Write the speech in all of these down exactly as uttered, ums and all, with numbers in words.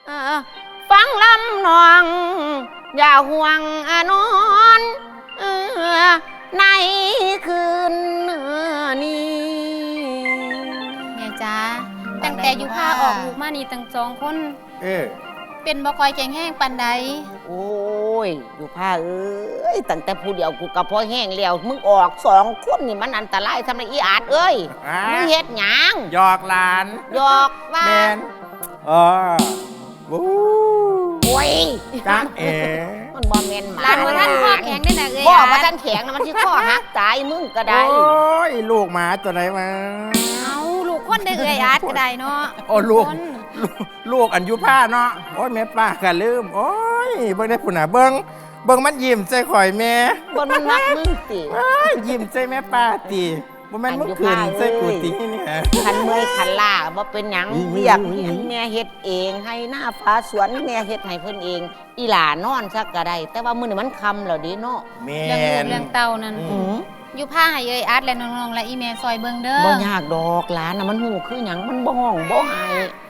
ฟังลำนองอย่าห่วงอนอนในคืนนี้แม่จ้าตั้งแต่อยู่ผ้าออกลูกมานี่ตั้งสองคนเออเป็นบ่คอยแข็งแห้งปานใดโอ้ยอยู่ผ้าเอ้ยตั้งแต่ผู้เดียวกูกับพ่อแห้งแล้วมึงออกสองคนนี่มันอันตรายทำไรอีอาดเอ้ยมึงเฮ็ดหยังหยอกหลานหยอกว่าแมนเออวู้โอ้ยจ้าเอ๋มันบ่แม่นหมาหลานว่าท่านข้อแข็งได้น่ะเอ้ยบ่ว่าท่านแข็งนะมันสิข้อหักตายมึงก็ได้โอ้ยลูกหมาตัวไหนมาเอาลูกคนได้เอ้ยอาดก็ได้เนาะโอ้ลูกลูกอันยุผ้าเนาะโอ้ยแม่ป้าก็ลืมโอ้ยเบิ่งได้ผู้หน่ะเบิ่งเบิ่งมันยิ้มใส่ข่อยแม่บ่มันมักมึงติยิ้มใส่แม่ป้าติบ่แม่นมึงขึ้นใส่กูตินี่ฮะคันเมื่อยคันล้าบ่เป็นหยังเรียกแม่เฮ็ดเองให้หน้าฟ้าสวนแม่เฮ็ดให้เพิ่นเองอีหลานอนซักก็ได้แต่ว่ามื้อนี้มันค่ำแล้วดิเนาะแม่เรื่องลูกเรื่องเต้านั่นอยู่ผ้าให้เอ้ยอาดและน้องๆและอีแม่ซอยเบิ่งเด้อบ่ยากดอกหลานน่ะมันฮู้คือหยังมันบ่ห้องบ่ให้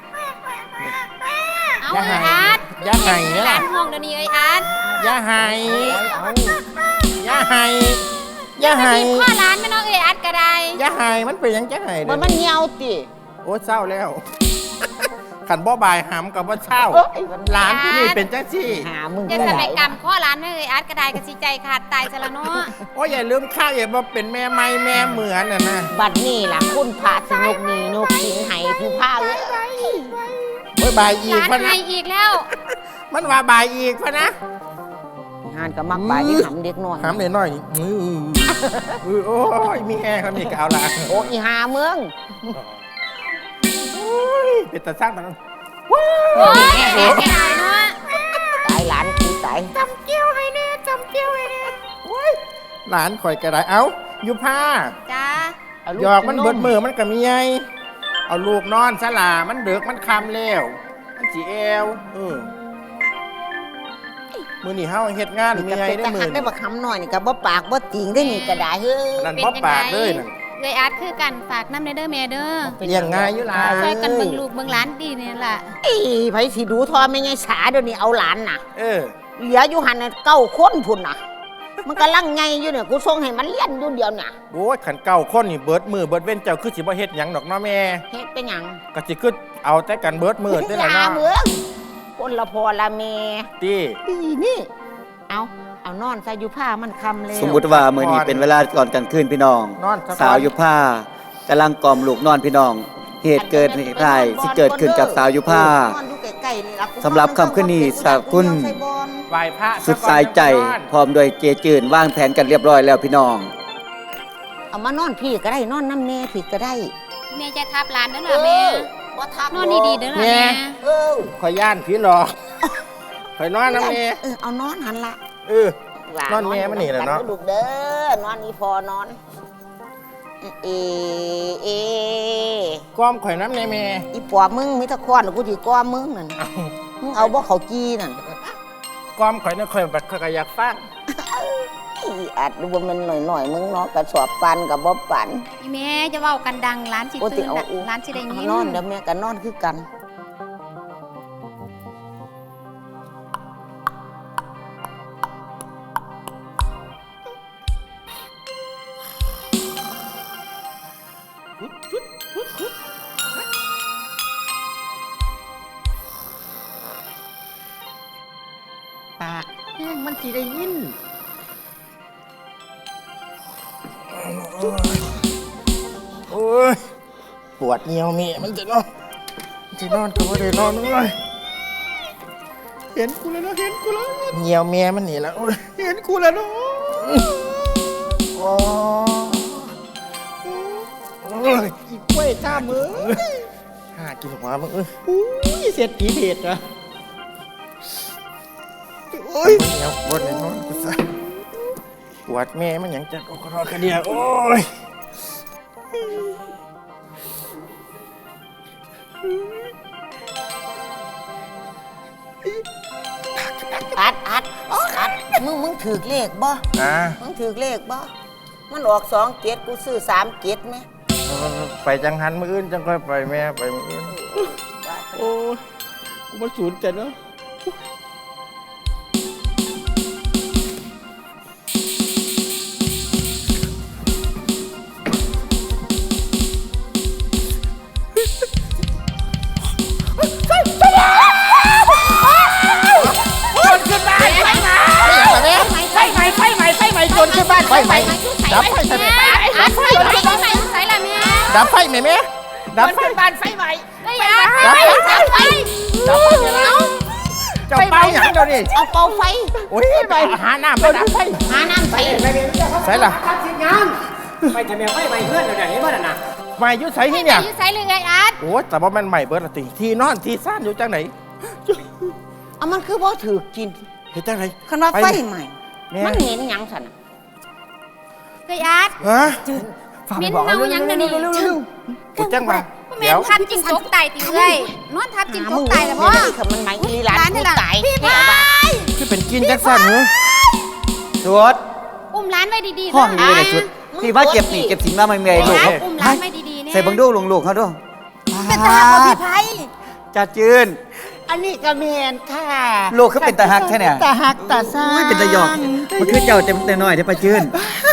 เอาเอ้ยอาดอย่าให้เด้อหลานห้องเดี๋ยวนี้เอ้ยอาดอย่าให้อย่าให้อย่าให้ข้อร้านไม่น้องเอ้ยอาดก็ได้อย่าให้มันเป็นหยังจะให้เด้อมันมันเหี่ยวติโอ้เศร้าแล้วขันบ่บายหำกับว่าเช่าร้านที่นี่เป็นจังซี่หามึงจะสมัยกรรมข้อร้านไม่เอ้ยอาดก็ได้ก็สิใจขาดตายซะละเนาะโอ้ยอย่าลืมข้าวอย่ามาเป็นแม่ไม้แม่เหมือนน่ะนะบัดนี้ล่ะคุณพระสนุกนี่นกสิงให้ผู้พาเอ้ยโอ้ยบายอีกพะนะอีกแล้วมันว่าบายอีกพะนะงานก็มักบายที่หำเด็กน้อยหำเด็กน้อยมือโอ้ยมีแอร์เขามีกาวละโอ้ยหาเมืองเป็นตาสร้างมันว้าวแก่แก่เนาะตายหลานกูตายจำเกี้ยวให้แน่จำเกี้ยวให้แน่หลานคอยกระไรเอ้าอยู่ผ้าจ้าหยอกมันเบิดมือมันก็มีไงเอาลูกนอนสลามันเดือกมันคำแล้วมันจีเอวเออมือนี่เฮาเฮ็ดงานมีไงได้มือได้บักคำหน่อยนี่กับบ่ปากบ่จริงได้นี่ก็ได้เฮ้ยนั่นบ่ปากเลยนั่นเอ้ยอาดคือกันฝากน้ำในเด้อแม่เด้อเลี้ยงง่ายอยู่ล่ะช่วยกันเบิ่งลูกเบิ่งหลานดีนี่ล่ะไอ้ไผสิดูทอไม่ไงสาเดี๋ยวนี้เอาหลานน่ะเออเหลืออยู่หันเก้าคนพุ่นน่ะมันกำลังไงอยู่เนี่ยกูส่งให้มันเลี้ยนอยู่เดียวน่ะโอ้ยขันเก้าคนนี่เบิดมือเบิดเว้นเจ้าคือสิบ่เฮ็ดหยังดอกเนาะแม่เฮ็ดเป็นหยังก็สิคือเอาแต่กันเบิดมือได้ล่ะเนาะเมืองคนละพอละแม่ติอีนี่เอาเอานอนใส่อยู่ผ้ามันคำเลยสมมุติว่ามื้อนี้เป็นเวลาก่อนกลางคืนพี่น้องสาวอยู่ผ้ากำลังกล่อมลูกนอนพี่น้องเหตุเกิดเหตุใดสิเกิดขึ้นกับสาวอยู่ผ้าสำหรับคำขึ้นนี้สาวคุณไหว้พระสุดสายใจพร้อมโดยเจจืนวางแผนกันเรียบร้อยแล้วพี่น้องเอามานอนพี่ก็ได้นอนน้ำแม่พี่ก็ได้แม่จะทับหลานเด้อล่ะแม่บ่ทับนอนดีๆเด้อล่ะแม่เออขอย่านพี่หรอข่อยนอนน้ำแม่เออเอานอนหันละเออนอนแม่มันนี่แหละเนาะลูกเด้อนอนอีพอนอนเอเอก้อมข่อยน้ำในแม่อีปอบมึงมีตะคอนกูสิก้อมมึงนั่นมึงเอาบ่เขากี้นั่นก้อมข่อยเนี่ยข่อยแบบข่อยอยากฟังอาจดูว่ามันหน่อยๆมึงเนาะกระสอบปันกับบ่ปันอีแม่จะเว้ากันดังร้านสิตื่นร้านสิได้ยินนอนเดี๋ยวแม่ก็นอนคือกันปากแห้งมันสิได้ยินโอ้ยปวดเหี่ยวเมียมันจะนอนจะนอนก็ไม่ได้นอนเลยเห็นกูแล้วเนาะเห็นกูแล้วเหี่ยวเมียมันหนีแล้วเห็นกูแล้วเนาะอ๋ออีกล้วยจ้ามือหากินหัวมึงเอ้ยอุ้ยเสียดผีเผ็ดอ่ะโอ้ยเหี่ยวปวดเลยนอนกูซะปวดแม่มันยังจะโอ้กระรอกระเดียโอ้ยอัดอัดอัดมึงมึงถือเลขบ่มึงถือเลขบ่มันออกสองเจ็ดกูซื้อสามเจ็ดไหมไปจังหันมืออื่นจังค่อยไปแม่ไปมืออื่นโอ้กูมาสูญใจเนาะจนขึ้นบ้านไฟใหม่ดับไฟใส่อัดไฟไฟไฟใส่ละแม่ดับไฟไหมแม่ดับไฟบ้านไฟใหม่ได้อัดไฟไฟไฟดับไฟแล้วเจ้าเป้าอย่างเดียวนี่เอาเป่าไฟโอ้ยไปหาน้ำไปดับไฟหาน้ำไฟใส่ละทำสิงานไปทำแมวไปไปเพื่อนเดี๋ยวนี้บ้านน่ะมายุ่ใส่ที่เนี่ยอยู่ใส่เลยไงอัดโอ้แต่ว่ามันใหม่เบิร์ดติที่นอนที่ซ่านอยู่จังไหนเอามันคือบ่ถือกินเห็นจังไหนคันว่าไฟใหม่มันเหม็นหยังสันไงอัดฮะเม้นเมายังเดี๋ยวนี้กูจังมาเม้นทับจิงจกตายตีเลยนอนทับจิงจกตายแล้วพ่อคือมันหมายอีหลานผู้ตายพี่พายคือเป็นกินจังสั้นเหรอชุดอุ้มร้านไว้ดีๆห้องนี้เลยชุดพี่ว่าเก็บหนีเก็บสินมาไม่เมยลูกอุ้มร้านไว้ดีๆเนี่ยใส่บังดูลงลูกเขาด้วยเป็นตาของพี่ไพจัดจืนอันนี้ก็เมนค่ะลูกเขาเป็นตาฮักแค่เนี่ยตาหักตาซ่าอุ้ยเป็นตาหยอกมันคือเจ้าเต็มเต็มหน่อยเดี๋ยวไปจืน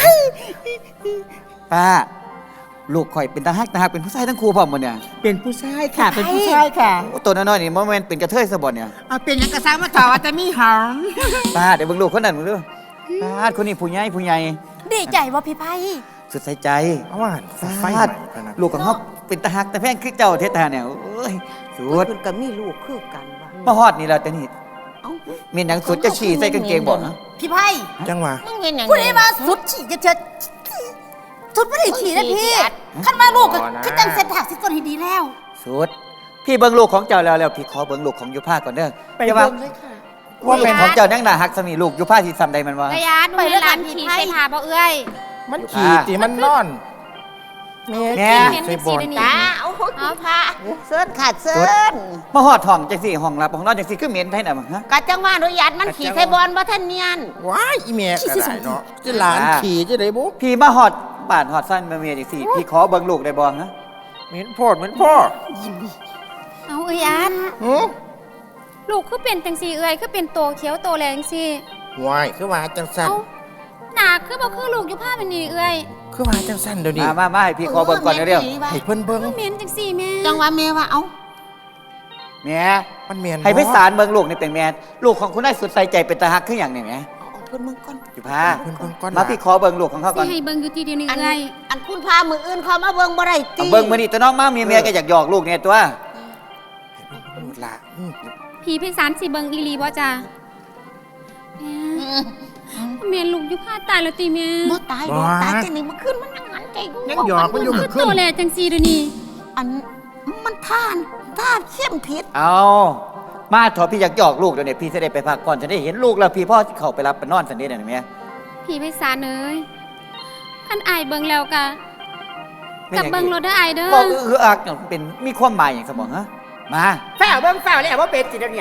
ป้าลูกข่อยเป็นตาฮักตาฮักเป็นผู้ชายทั้งคู่พร้อมหมดเนี่ยเป็นผู้ชายค่ะ เป็นผู้ชายค่ะโอ้ตัวน้อยๆนี่มันเป็นกระเทยสะบอนเนี่ยเอาเป็นยังกระซังมาถอว่าจะมีหอมป้าเดี๋ยวเบิ่งลูกคนนั้นมึงดูป้าคนนี้ผู้ใหญ่ผู้ใหญ่ดีใจว่าพี่ไพสุดใส่ใจเอาว่าไฟฟาดลูกของเขาเป็นตาฮักแต่แพงคือเจ้าเทศทาเนี่ยโอ้ยสุดคุณกับมีลูกคือกันว่ะมาฮอดนี่แล้วแต่นี่เอ้ามีหนังสุดจะฉี่ใส่กางเกงบ่นะพี่ไพ่จังหวะมึงเห็นอย่างคุณได้มาสุดฉี่จะเจอสุดไม่ได้ฉี่นะพี่ขั้นมาลูกก็คิดจังเส้นถักสิก่อนให้ดีแล้วสุดพี่เบิ่งลูกของเจ้าแล้วแล้วพี่ขอเบิ่งลูกของยุพาก่อนเด้อไปอย่าว่าเบิ่งเลยค่ะว่าเป็นของเจ้านั่งหน้าฮักสมีลูกยุพาที่ซ้ำใดมันวะไงอัดไปร้านขี่ใส่ผ้าบ่เอ้ยมันขี่ตีมันนอนแม่แม่เห็นใส่เป็นบสีอลนี่ตาเอาหุ่นพาเซิร์นขาดเซิร์นมาฮอดห้องจังสี่ห้องรับของนอนจังสี่คือเหม็นไทน่ะมั้งฮะกะจังว่าอนุญาตมันขี่ไทบอลบ่ท่านเนียนว้ายอีเมียก็ได้เนาะจะหลานขี่จะได้บุ๊พี่มาฮอดบ้านฮอดสั้นมาเมียจังสี่พี่ขอเบิ่งลูกได้บ่ฮะเหม็นพ่อเหม็นพ่อเอาเอ้ยอัดหือลูกคือเป็นจังสีเอ้ยคือเป็นโตเขียวโตแรงสิวายคือว่าจังสั้นเอ้าหนาคือบ่คือลูกอยู่ผ้าเป็นนี่เอ้ยคือว่าจังสั้นเดี๋ยวนี้มามามาให้พี่ขอเบิ่งก่อนเร็วให้เพิ่นเบิ่งก็เหม็นจังสีแม่จังว่าแม่ว่าเอ้าๆแม่มันเหม็นให้ไปสารเบิ่งลูกนี่เป็นแม่ลูกของคุณได้สุดใส่ใจเป็นตาฮักคือหยังนี่แหมเอาเพิ่นมึงก่อนยุพาเพิ่นเบิ่งก่อนมาพี่ขอเบิ่งลูกของเขาสิก่อนให้เบิ่งอยู่ทีเดียวนี่อันเอ้ยอันคุณพามืออื่นเขามาเบิ่งบ่ได้ติเอาเบิ่งมื้อนี้ตัวน้องมาเมียเมียก็อยากหยอกลูกเนี่ยตัวลูกหลานอืมพี่พิสารสิเบิ่งอีหลีบ่จ้าแม่แม่ลูกอยู่ผ้าตายแล้วติแม่บ่ตายบ่ตายจังนี่มันขึ้นมันนั่งหันใจกูยังหยอกมันอยู่คืเมื่ออคืโตนแลจังสีเดี๋ยวนี้อันมันท่านท่าเข้มผิดเอามาเถอะพี่อยากหยอกลูกเดี๋ยวนี้พี่จะได้ไปพักผ่อนจะได้เห็นลูกแล้วพี่พ่อสิเข้าไปรับไปนอนสันนี้เดี๋ยวนี้แม่พี่พิสารเอ้ยคันอายเบิ่งแล้วกะกับเบิ่งรถเด้ออายเด้อก็คืออักเนี่ยเป็นมีความหมายอย่างสมองฮะมาแฝวเบิ้งแฝวเลยว่าเป็นสิเดี๋ยวนี้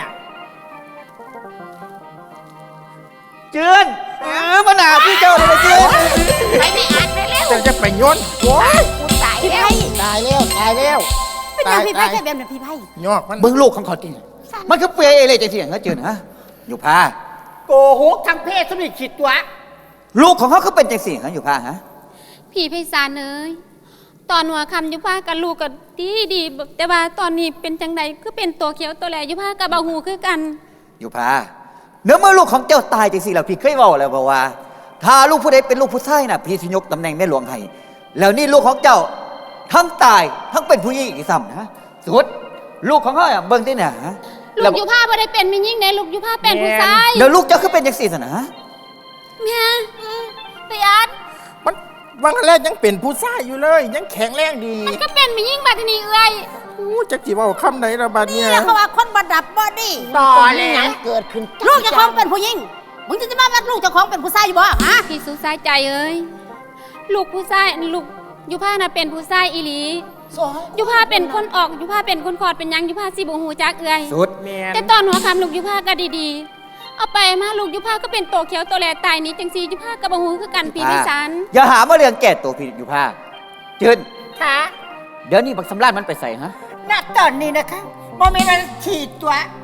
เจือนเออมาหนาพี่เจ้าเลยนะเจือนไปไม่อ่านไปแล้วจะจะไปโย้อนโอ้ยกูตายพี่แล้วไพ่ตายแล้วตายแล้วเป็นยังพี่ไพ่แค่แบบนั้นพี่ไพ่ยอกมันเบิ่งลูกของเขาจริงมันคือเปรย์เอเลยจะเถียงเขาเจือนฮะอยู่พาโกหกทางเพศสมิขิดตัวลูกของเขาคือเป็นจังสี่ฮะอยู่พาฮะพี่พิสารเอ้ยตอนหัวคำอยู่ผ้ากับลูกก็ดีดีๆแต่ว่าตอนนี้เป็นจังใดคือเป็นตัวเขียวตัวแลอยู่ผ้ากับเบาหูคือกันอยู่พาเนื้อเมื่อลูกของเจ้าตายจังสี่แล้วพี่เคยบอกแล้วบอกว่า ถ้าลูกผู้ใดเป็นลูกผู้ชายน่ะพี่สิยกตำแหน่งแม่หลวงให้แล้วนี่ลูกของเจ้าทั้งตายทั้งเป็นผู้หญิงอีกซ้ำนะสุดลูกของเขาอ่ะเบิ่งที่ไหนฮะลูกอยู่ผ้าบ่ได้เป็นไม่ยิ่งในลูกอยู่ผ้าเป็นผู้ชายแล้วลูกเจ้าคือเป็นจังสี่สินะแม่ไอ้อัดมันวังแรกยังเป็นผู้ชายอยู่เลย ยังแข็งแรงดีมันก็เป็นไม่ยิ่งบัดนี้เอ้ยอู้จักจีว่าคำไหนระบาดเนี่ยนี่เขาว่าคนบดับบ่ดีต่อตอนเลนี้ยหยังเกิดขึ้นลูกเจะคล้าของเป็นผู้หญิงมึงจะจะมาว่าลูกเจะคล้าของเป็นผู้ชายอยู่บ่ฮะพี่สุสายใจเอ้ยลูกผู้ชายลูกอยู่ผ้าน่ะเป็นผู้ชายอีหลีอยู่ผ้าเป็นคนออกอยู่ผ้าเป็นคนคลอดเป็นหยังอยู่ผ้าสิบ่ฮู้จักเอ้ยสุดแมนแต่ตอนหัวคำลูกอยู่ผ้าก็ดีๆเอาไปมาลูกอยู่ผ้าก็เป็นโตเขียวโตแลตายนี้จังซี่อยู่ผ้าก็บ่ฮู้คือกันพี่พิสารอย่าหามาเรื่องแก่ตัวพี่อยู่ผ้าจืนค่ะเดี๋ยวนี้บักสำรานมันไปใส่ฮะณตอนนี้นะคะโมเมนต์ฉีดตัว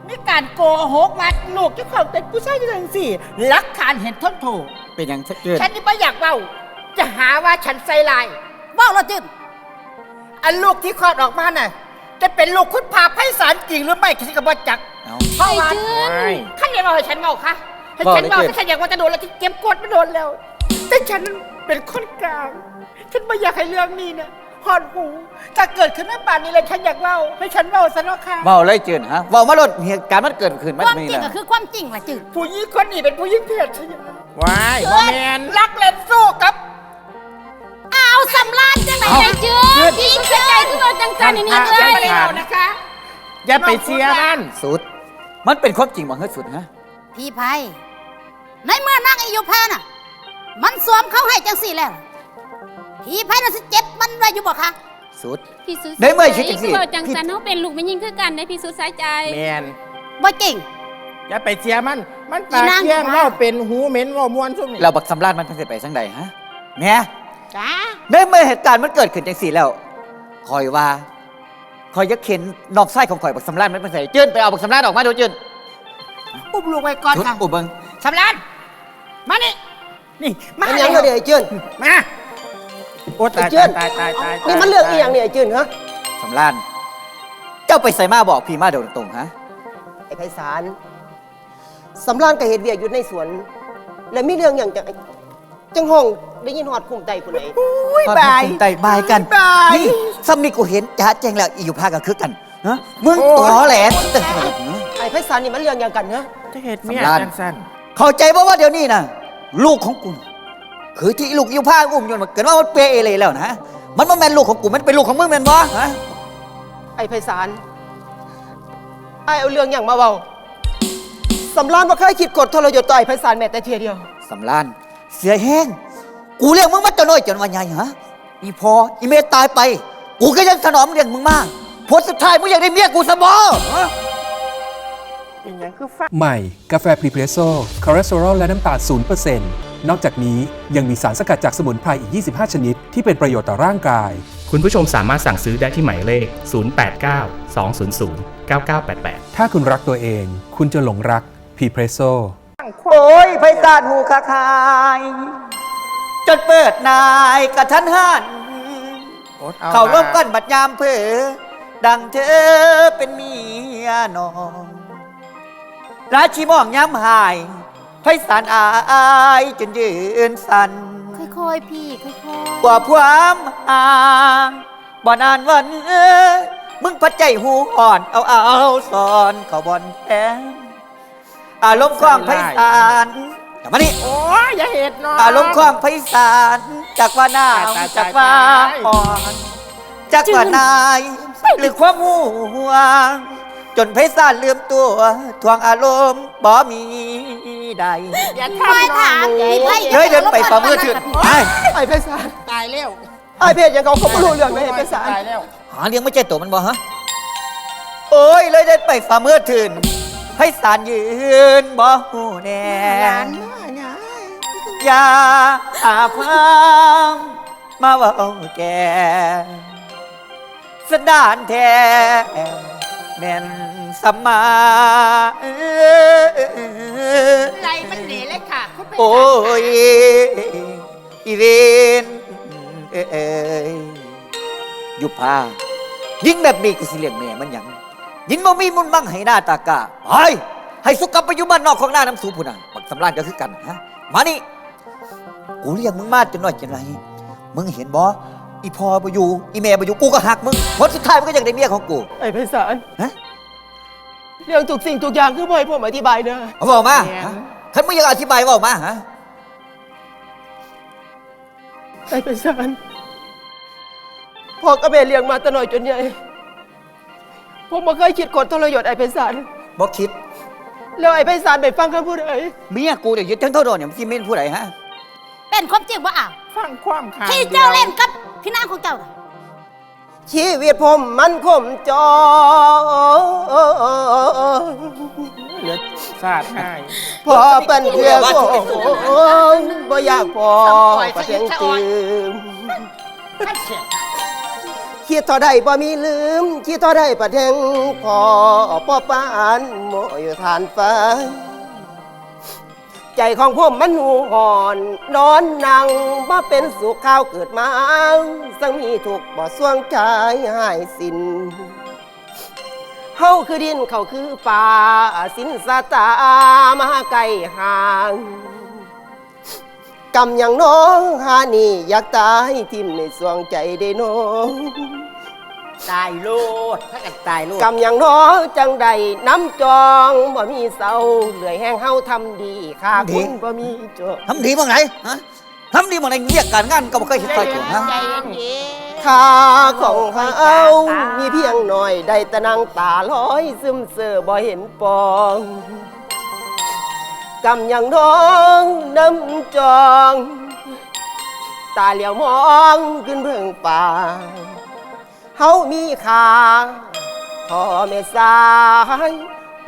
มีการโกหกว่าลูกเจ้าของเป็นผู้ชายจังสี่หลักฐานเห็นทนโทษเป็นอย่างเกิดฉันนี่ไม่อยากเล่าจะหาว่าฉันใส่ลายเว่าเราจึงอันลูกที่คลอดออกมาน่ะจะเป็นลูกคุณพาไพศาลจริงหรือไม่ฉันก็บ่จักเอาเพราะว่าไอ้จื้นท่านอย่าบอกให้ฉันเมาค่ะให้ฉันเมาถ้าฉันอยากว่าจะโดนแล้วที่เจ็บปวดไม่โดนแล้วแต่ฉันเป็นคนกลางฉันไม่อยากให้เรื่องนี้เนี่ยหอนหูถ้าเกิดขึ้นในป่านนี้เลยฉันอยากเล่าให้ฉันเล่าซะเนาะค่ะเมาเลยจืดฮะเมามาลดเหตุการณ์มันเกิดขึ้นมันความมีจริงนะก็คือความจริงว่ะจืดผู้หญิงคนนี้เป็นผู้หญิงเพศใช่ไหมวายบ่แมนรักเล่นสู้กับอ้าวสำรานจังไหนไอ้จืดพี่สุดใจคือว่าจังจันนี่ฉันี่นเลไม่ยได้เอานะคะอย่าไปเสียมันสุด มันเป็นความจริงบ่เฮ้ยสุดฮะพี่ไพในเมื่อนางอายุพาน่ะ มันสวมเข้าให้จังสี่แล้ว พี่ไพน่ะสิเจ็บมันไว้อยู่บ่คะสุดพี่สุดได้เมื่อคิดจังสิคือว่าจังจันเฮาเป็นลูกมันยิ่งคือกันได้พี่สุดสายใจแมนบ่จริงอย่าไปเสียมัน มันปากอีนางเที่ยงอยู่เว่าบ้านเป็นหูเหม็นเว่ามวนซุ่มนี่เราบักสำราญมันเพิ่นสิไปสังใดฮะแม่จ้าได้เมื่อเหตุการณ์มันเกิดขึ้นจังสี่แล้วคอยว่าคอยจะเข็นนอกไส้ของข่อยบักสำราญมันเป็นไสจืดไปเอาบักสำราญออกมาดูจืดอุ้มลูกไว้ก่อนสุดค่ะอุบเบิงสำรานมานี่ นี่ มามันยังก็เดี๋ยวไอ้จืนมาโอ้ตายไอ้เจิ้นตายตายตายตายนี่มันเรื่องอีหยังเนี่ยไอ้จืนฮะสำราญเจ้าไปใส่มาบอกพี่มาเดี๋ยวตรงๆฮะไอ้ไพศาลสำรานกับเหตุเวียกอยู่ในสวน แล้วมีเรื่องอย่างจังจังห้องได้ยินฮอดคุ้มใจผู้ใดอุ้ยความบายภูมิใจบายกันบายนี่ซ้ำนี่กูเห็นจ้าแจ้งแล้วอีอยู่ภาคกันคือกันฮะมึงตอแหลตึ้งไอ้ไพศาลนี่มันเรื่องอย่างกันฮะจะเหตุเมียสำราญจังสั้นเข้าใจบ่ว่าเดี๋ยวนี้นะลูกของกูน่ะคือที่ลูกอยู่ภาคอุ้มยนต์มาเกิดว่ามันเปรย์เอเลยแล้วนะมันบ่แม่นลูกของกูมันเป็นลูกของมึงแม่นบ่ฮะไอ้ไพศาลไอ้เอาเรื่องอย่างมาเว้าสำรานบ่เคยคิดกดทรยศต่อไอ้ไพศาลแม้แต่เทียเดียวสำรานเสียแห้งกูเลี้ยงมึงมาจนน้อยจนวันใหญ่ฮะอีพออีเมตตายไป กูก็ยังถนอมเลี้ยงมึงมาผลสุดท้ายมึงอยากได้เมียกูซะบ่ฮะเป็นหยังคือฟ้าใหม่ กาแฟพรีเพรสโซ่คอเลสเตอรอลและน้ำตาล ศูนย์เปอร์เซ็นต์ นอกจากนี้ยังมีสารสกัดจากสมุนไพรอีก ยี่สิบห้า ชนิด ที่เป็นประโยชน์ต่อร่างกายคุณผู้ชมสามารถสั่งซื้อได้ที่หมายเลข ศูนย์ แปด เก้า สอง ศูนย์ ศูนย์ เก้า เก้า แปด แปดถ้าคุณรักตัวเอง คุณจะหลงรักพรีเพรสโซ่โอ้ยไพศาลหูคาคายจนเปิดนายกระทันหันโอ๊ตเอาเขาร่วมมากันบัดยามเผอดังเธอเป็นเมียน้องราชีมองย้ำหายไพศาลอายจนยืนสั่นค่อยๆพี่ค่อยๆกว่าความห่างบ่นานวันเอ้ยมึงพัดใจหูอ่อนเอาเอาสอนเขาบอนแทนอารมณ์ความไพศาลกลับมานี่โอ้ยอย่าเหตุเนาะอารมณ์ความไพศาลจากว่าหนาวตายตายจากว่าตายอ่อนจากว่านายหรือความหูห่วง จนไพศาลลืมตัวทวงอารมณ์บ่มีใดอย่าไม่ทำน้องถามหนูพี่ไพเฮ้ยเดินไปฝ่ามือถือไปไอ้ไพศาลตายแล้วไอ้เพศอย่างเขาเขาไม่รู้เรื่องเลยไอ้ไพศาลตายแล้วหาเลี้ยงไม่ใช่ตัวมันบ่ฮะโอ้ยเลยเดินไปฝ่ามือถือไพศาลยืนบ่หูแน่หลานมาไงอย่าอาพังมาเว่าแกสดานแท้แม่นสัมมาไรมันหนีเลยค่ะคุณไปโอ้ยอีเวนเอ้ยอยู่พายิ่งแบบนี้กูสิเลี้ยงแม่มันหยังยิ่งบ่มีมุนมั่งให้หน้าตากาไปให้สุกลับไปอยู่บ้านนอกของหน้าน้ำสูพุ่นน่ะบักสำราญก็คือกันฮะมานี่กูเลี้ยงมึงมาจนน้อยจนไรมึงเห็นบ่อีพ่อบ่อยู่อีแม่บ่อยู่กูก็หักมึงผลสุดท้ายมันก็ยังได้เมียของกูไอ้ไพศาลฮะเรื่องทุกสิ่งทุกอย่างคือบ่ให้ผมอธิบายเด้อเอาบอกมาฮะท่านมึงอยากอธิบายบอกมาฮะไอ้ไพศาลพ่อกับแม่เลี้ยงมาแต่น้อยจนใหญ่ผมบ่เคยคิดกดทรยศไอ้ไพศาลบอกคิดแล้วไอ้ไพศาลไปฟังคำพูดไอ้เมียกูเดี๋ยวยึดทั้งเท่าโดนเนี่ยมันที่เม่นผู้ใดฮะเป็นความจริงว่าอ้าวฟังความข่าวที่เจ้าเล่นกับพี่นางของเจ้าน่ะชีวิตผมมันคมจอเหลือสาดให้พอเป็นเพื่อโอ้ยบ่อยากพอประเสียงจืมคิดเท่าใดบ่มีลืมคิดเท่าใดประแทงพอพ่อปานโมอยู่ทานฟ้าใจของผมมันหูห่อนนอนนั่งบ่เป็นสุขข้าวเกิดมาสังมีถูกบ่สวงใจหายสิ้นเฮาคือดินเขาคือป่าสินสาตามาไกลห่างกำอย่างน้องหานี่อยากตายทิ่มในสวงใจได้น้องตายโลดถ้ากันตายโลดกำอย่างน้องจังใดน้ำจองบ่มีเศร้าเหลื่อยแห้งเฮาทำดีค่าคุณบ่มีจบทำดีบ้างไหนฮะทำดีบ้างไหนเรียกการงานก็บ่เคยเห็นใครถูกฮะใจเย็นค่าของเฮามีเพียงหน่อยได้แต่นั่งตาลอยซึมเสือบ่เห็นปองกำอย่างน้องน้ำจองตาเหลียวมองขึ้นเบื้องป่าเฮามีค่าพ่อแม่สายเอ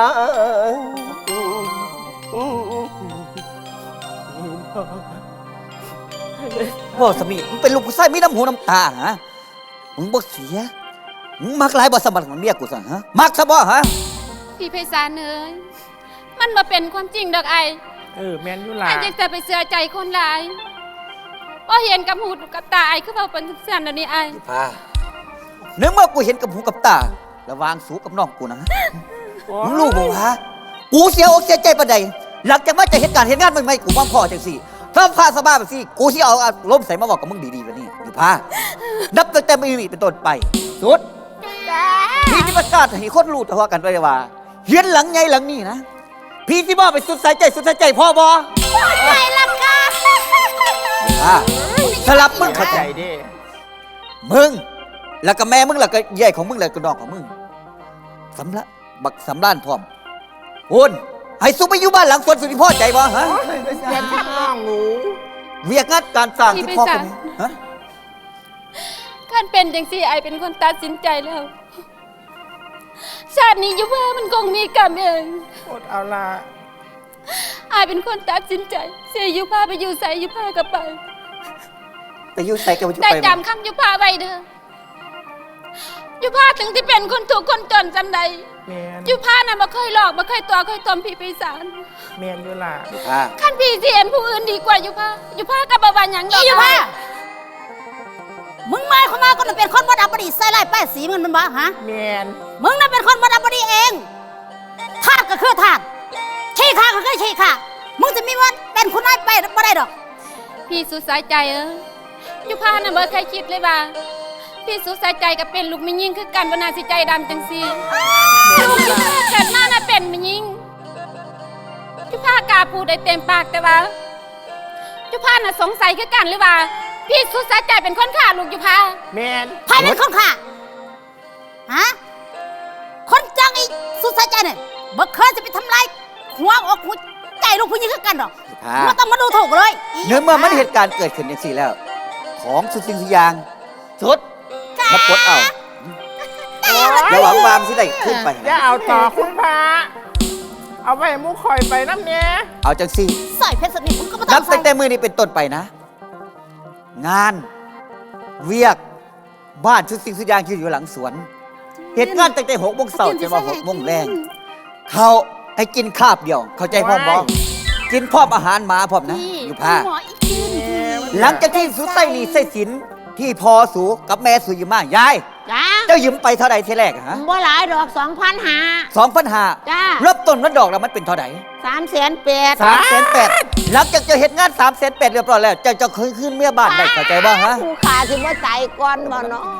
อว่าสมีมึงเป็นลูกผู้ชายมีน้ำหูน้ำตาฮะมึงบ่เสียมึงมักหลายบ่สมบัติของเมียกูสั่งฮะมักซะบ่ฮะพี่ไพศาลเอ้ยมันมาเป็นความจริงดอกไอเออแมนยุลาไอจะไปเสือใจคนหลายว่าเห็นกับหูกับตาไอคือเบาเป็นทุกสิ่งเดี๋ยวนี้ไอพาเนื่องเมื่อกูเห็นกับหูกับตาระวางสูกับน้องกูนะมึงรู้บ่วะกูเสียอกเสียใจปานใดหลังจากมาจะเหตุการณ์เหตุงานใหม่ๆกูวางพ่อจังซี่ถ้าพาสบายแบบซี่กูสิเอาอารมณ์ใส่มาบอกกับมึงดีๆแบบนี้อยู่พานับตั้งแต่มื้อนี้เป็นต้นไปสุดพี่ที่ประกาศให้คนรู้ตัวกันไปว่าเฮียนหลังใหญ่หลังนี้นะพี่ที่บ่ไปสุดสายใจสุดสายใจพ่อบ่ไปละกันอ่าสลับมึงเข้าใจดิมึงแล้วก็แม่มึงแล้วก็ใหญ่ของมึงแล้วก็น้องของมึงสำละบักสำล้านพร้อมโอนให้ซุปไปอยู่บ้านหลังสวนสุดที่พ่อใจบ่ฮะเสียทักน้องหนูเวียกงานการสร้างที่พ่อคนนี้ฮะการเป็นจังซี่ไอเป็นคนตัดสินใจแล้วชาตินี้ยุพามันคงมีกรรมเองอดเอาละไอเป็นคนตัดสินใจเสียยุพาไปอยู่ใส่ยุพากับไปไปอยู่ใส่กับไปได้จำคำยุพาไว้เด้อยุพาถึงที่เป็นคนถูกคนจนจำใดแมนยุพาน่ะมาเคยหลอกมาเคยตัวเคยตอมพี่ปีศาจแมนยุลาอ่าขั้นพี่เสียนผู้อื่นดีกว่ายุพายุพากับบาวานหยังดอกยุพามึงหมายความว่าก็น่ะเป็นคนบ่ดับบดีใส่ไล่ป้ายสีมึงมันบ่ฮะแมนมึงน่ะเป็นคนบ่ดับบดีเองทาสก็คือทาสขี้ข้าก็คือขี้ข้ามึงจะมีวันเป็นคุณนายไปบ่ได้ดอกพี่สุดสายใจเออยุพาน่ะบ่เคยคิดเลยว่าพี่สุดสายใจกับเป็นลูกมิยิ่งคือกันว่านาสิใจดำจังซี่ลูกยุพาเกิดมาน่ะเป็นมิยิ่งยุพากล้าพูดได้เต็มปากแต่ว่ายุพาน่ะสงสัยคือกันหรือว่าพี่สุดสายใจเป็นคนฆ่าลูกยุพาแมนใครเป็นคนฆ่าฮะคนจังไอ้สุดสายใจเนี่ยบ่เคยจะไปทำลายหัวอกหัวใจลูกผู้หญิงคือกันดอกอ่ามึงต้องมาดูถูกเลยเนื่องเมื่อมันเหตุการณ์เกิดขึ้นอย่างสี่แล้ว ของสุดสิ่งสุดอย่างสุดมาปลดเอาระหวังวามที่ได้ขึ้นไปอย่าเอาต่อคุณพระเอาไปมุกคอยไปน้ำเนี้ยเอาจังสี่ใส่เพชรสนิทมึงก็มาต้นัอบ งตั้ใส่งแต่มือนี้เป็นต้นไปนะ งาน เวียกบ้านชุดสิ่งสุดอย่างที่อยู่หลังสวน เหตุงานตั้งแต่หกโมงเช้าจนว่าหกโมงแรงเขาให้กินคาบเดียว เข้าใจพ่อบอกกินพร้อมอาหารหมาพร้อมนะ อยู่ผ้าหมออีกทีหนึ่งหลังจากที่สุดใส่หนี่ใส่สินที่พอสูกับแม่สูยืมมายายจ้าเจ้ายืมไปเท่าไหร่ทีแรกอะฮะบ่หลายดอกสองพันหาสองพันห้าจ้าเริ่มต้นมันดอกแล้วมันเป็นเท่าไหร่สามแสนแปดสามแสนแปดหลังจากเจะเห็นงานสามแสนแปดเรียบร้อยแล้วเจ้าจะคืนขึ้นเมียบ้านได้เข้าใจบ้างฮะผู้ขาสิบ่ใจก่อนบ่เนาะ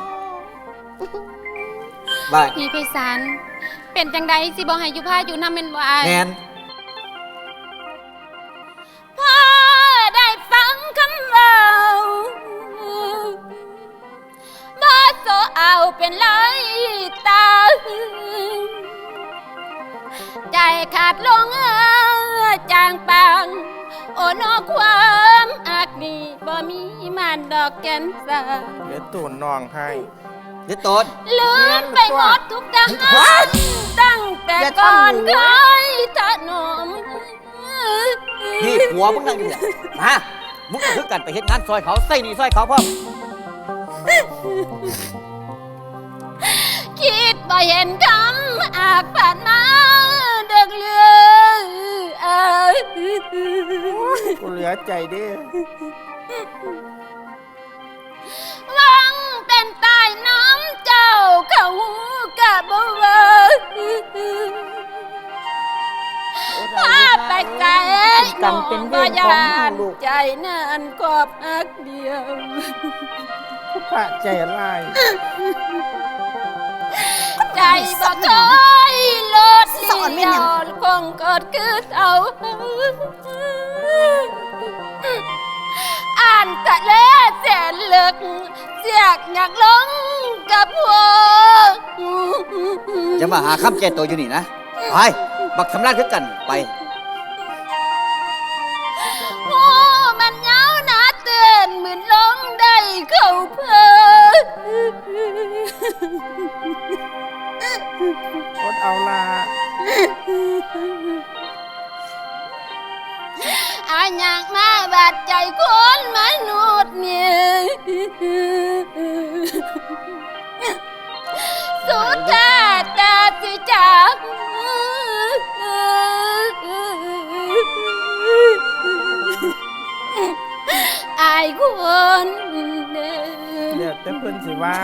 บ้านพี่ไพศาลเป็นจังใดสิบ่ให้ยุพาอยู่นำเป็นบ่อายแนนพอได้ฟังคำเว้าบ่โซเอาเป็นไรตาใจขาดลงเอ่อจางปางโอ้นอความอักนี่บ่มีมันดอกแก่นสาเดี๋ยวตูนน้องให้เดี๋ยวต้นลืมไปหมดทุกทหารตั้งแต่ก่อนเคยถนอมนี่ผัวมึงนั่งอยู่เนี่ยมามึงก็คือกันไปเห็นงานซอยเขาใส่หนี่ซอยเขาพ่อมคิดบ่เห็นคำอาจผ่านมาเด็กเลือเอ้ยกูเหลือใจเด้วังเป็นตายน้ำเจ้าเขากะบ่เว้ยพาไปไกลกรรมเป็นเวรของเฮาลูกใจนั้นกอบอักเดียวผู้พระใจร้ายใจบ่เคยลดลีลอคงกอดคือเอาอ่านทะเลแสนลึกเสียกอยากลงกับหัวจะมาหาคำแก้ตัวอยู่นี่นะไปบักสำราญคือกันไปโอ้มันเหงาหนาเตือนเหมือนลงได้เข้าเพลินอดเอาลาอาอยากมาบาดใจคนมนุษย์เนี่ยสุดท้ายตาสิจากอายคนเด้อเดี๋ยวแต่เพิ่นสิว่า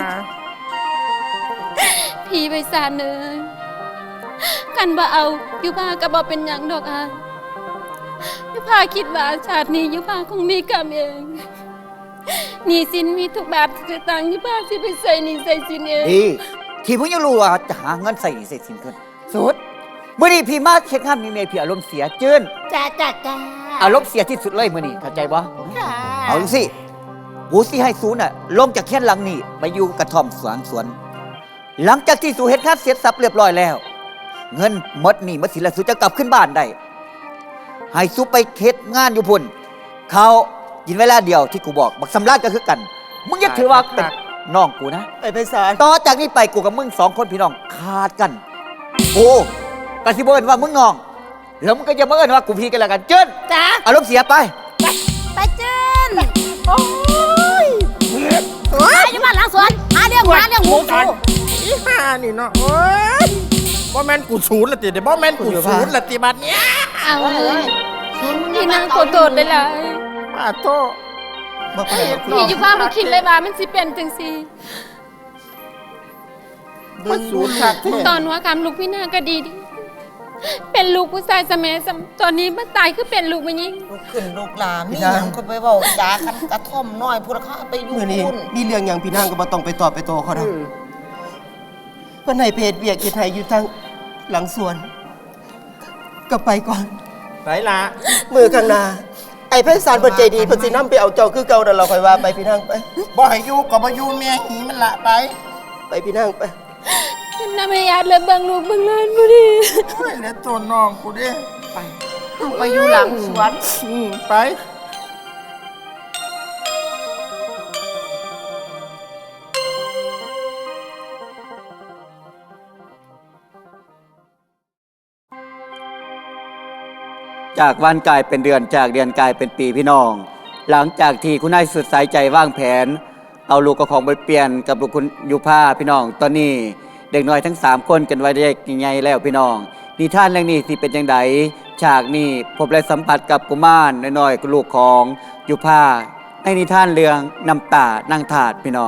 พี่ไปสานเลยกันบ่เอายุพาก็บ่เป็นหยังดอกอายยุพาคิดว่าชาตินี้ยุพาคงมีกรรมเองหนี้สินมีทุกบาททุกสตางค์ยุพาสิไปใส่หนี้ใส่สินเองดีที่พี่ยังรู้ว่าจะหาเงินใส่หนี้ใส่สินขึ้นสุดเมื่อนี้พี่มาเช็คห้ามมีเมียพี่อารมณ์เสียจื้นจ้าจ้าจ้าอารมณ์เสียที่สุดเลยมื่อนี้เข้าใจบ่ค่ะเอาสิกูสิให้สูน่ะลงจากแค่นหลังนี่ไปอยู่กระท่อมสวนสวน หลังจากที่สูเฮ็ดงานเสร็จสับเรียบร้อยแล้ว เงินหมดหนี่หมดสินแล้วสูจะกลับขึ้นบ้านได้ให้สูไปเฮ็ดงานอยู่พุ่นเขากินเวลาเดียวที่กูบอกบักสำราญก็คือกันมึงอย่าถือว่าเป็นน้องกูนะไอ้ไพศาลต่อจากนี้ไปกูกับมึงสองคนพี่น้องขาดกันโอ้กะสิบ่เอิ้นว่ามึงน้องแล้วมึงก็จะมาเอิ้นว่ากูพี่กันแล้วกันเจิ้นจ้าอารมณ์เสียไปไปเจิ้นโอ้ยหาอยู่บ้านหลังสวนหาเรื่องหาเรื่องหมูสูอีห่านี่เนาะโอ้ยบ่แม่นกูศูนย์ละติเด้บ่แม่นกูศูนย์ละติบัดเนี้ยเอาเลยพี่นางขอโทษได้หลายป้าโตบ่เป็นไรหรอกพี่ยุพาบ่คิดเลยว่ามันสิเป็นจังซี่มันศูนย์ขาดแท้ตอนหัวคำลูกพี่นางก็ดีดีเป็นลูกผู้ชายสมัยสมตอนนี้มาตายคือเป็นลูกมันยิงลูกขึ้นลูกหลานมีหยังก็ไปเว้าจากันกระท่อมน้อยพวกเขาไปอยู่มื้อนี้พุ่นมีเรื่องหยังพี่นางก็บ่ต้องไปตอบไปโตเขาดอกเพิ่นให้เพจเวียกเฮ็ดให้อยู่ทางหลังสวน ก็ไปก่อนไหนล่ะมือข้างหน้าไอ้ไพศาลเพิ่นใจดีเพิ่นสินำไปเอาเจ้าคือเก่านั่นเราค่อยว่าไปพี่นางไปบ่ให้อยู่ก็บ่อยู่แม่หีมันละไปไปพี่นางไปเป็นน้ำไม่ยาดเลยเบิ่งลูกเบิ่งหลานบ่ดีโอ้ยแล้วตัวน้องกูเด้ไปไปอยู่หลังสวนอืมไปจากวันกลายเป็นเดือนจากเดือนกลายเป็นปีพี่น้อง หลังจากที่คุณนายสุดสายใจวางแผน เอาลูกกับของไปเปลี่ยนกับลูกคุณยุพาพี่น้อง ตอนนี้เด็กน้อยทั้งสามคนกันไว้ได้ยังไงแล้วพี่น้องนิทานเรื่องนี้ที่เป็นยังไงฉากนี้พบและสัมผัสกับกุมารน้อยๆลูกของยุพาในนิทานเรื่องน้ำตานางถาดพี่น้อง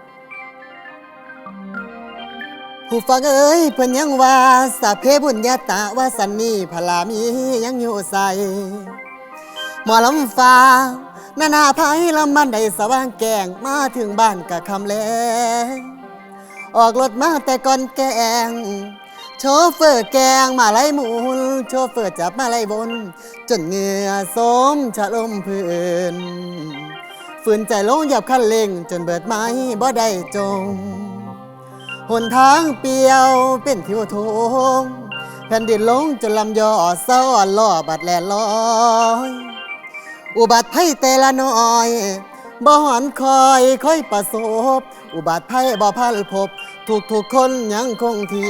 ผู้ฟังเอ้ยเพิ่นยังว่าสัพเพบุญญาตะว่าสันนี่พลามียังอยู่ใสหมอลำฟ้านานาภัยลำมันได้สว่างแกงมาถึงบ้านกะคำแลงออกรถมาแต่ก่อนแกงโชเฟอร์แกงมาไล่หมุนโชเฟอร์จับมาไล่บน จนเหงื่อสมชะลมพื้นฝืนใจลงหยับคันเร่งจนเบิดไม้บ่ได้จงหนทางเปียวเป็นทิวทงแผ่นดินลงจนลำยอซ้อนล่อบัดแลลอยอุบัติภัยแต่ละน้อยบ่หอนคอยค่อยประสบอุบัติภัยบ่พันพบทุกทุกคนยังคงที่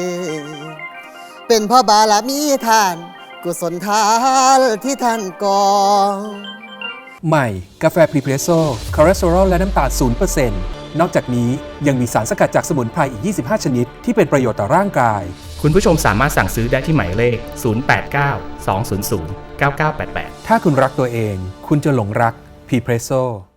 เป็นเพราะบารมีท่านกุศลทานที่ท่านก่อใหม่ กาแฟพรีเพรสโซ่คอเลสเตอรอลและน้ำตาลศูนย์เปอร์เซ็นต์นอกจากนี้ยังมีสารสกัดจากสมุนไพรอีก ยี่สิบห้า ชนิดที่เป็นประโยชน์ต่อร่างกายคุณผู้ชมสามารถสั่งซื้อได้ที่หมายเลข ศูนย์ แปด เก้า สอง ศูนย์ ศูนย์ เก้า เก้า แปด แปดถ้าคุณรักตัวเอง คุณจะหลงรักพรีเพรสโซ่